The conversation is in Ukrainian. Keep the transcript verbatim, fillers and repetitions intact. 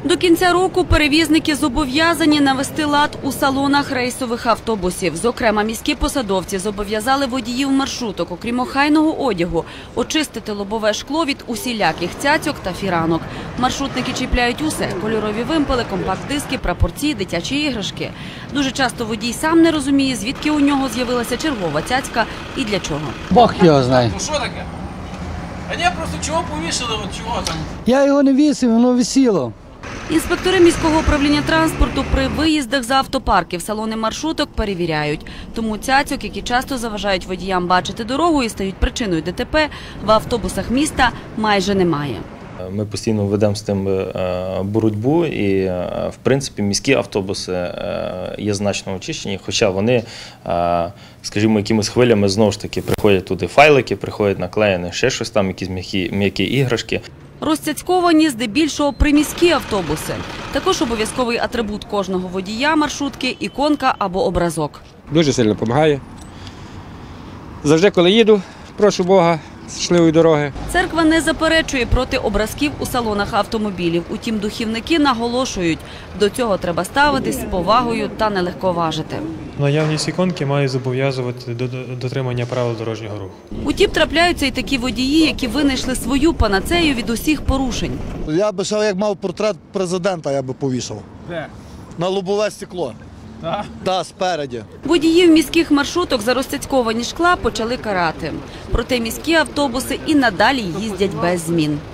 До кінця року перевізники зобов'язані навести лад у салонах рейсових автобусів. Зокрема, міські посадовці зобов'язали водіїв маршруток, окрім охайного одягу, очистити лобове шкло від усіляких цяцьок та фіранок. Маршрутники чіпляють усе – кольорові вимпели, компакт-диски, прапорці, дитячі іграшки. Дуже часто водій сам не розуміє, звідки у нього з'явилася чергова цяцька і для чого. Бог його знає. Ну що таке? А ні, просто чого повішали, от чого там? Я його не вісив, воно висіло. Інспектори міського управління транспорту при виїздах за автопарки в салони маршруток перевіряють. Тому цяцьок, які часто заважають водіям бачити дорогу і стають причиною ДТП, в автобусах міста майже немає. Ми постійно ведемо з тим боротьбу і, в принципі, міські автобуси є значно очищені, хоча вони, скажімо, якимись хвилями знову ж таки приходять туди файлики, приходять наклеєні ще щось там, якісь м'які, м'які іграшки. Розцяцьковані здебільшого приміські автобуси. Також обов'язковий атрибут кожного водія маршрутки – іконка або образок. Дуже сильно допомагає. Завжди, коли їду, прошу Бога, щасливої дороги. Церква не заперечує проти образків у салонах автомобілів. Утім, духівники наголошують, до цього треба ставитись з повагою та не легковажити. Наявність іконки має зобов'язувати до дотримання правил дорожнього руху. Утім, трапляються і такі водії, які винайшли свою панацею від усіх порушень. Я би ще, як мав портрет президента, я би повішав. Де? На лобове стекло. Так? Так, спереді. Водіїв міських маршруток за розцяцьковані шкла почали карати. Проте міські автобуси і надалі їздять без змін.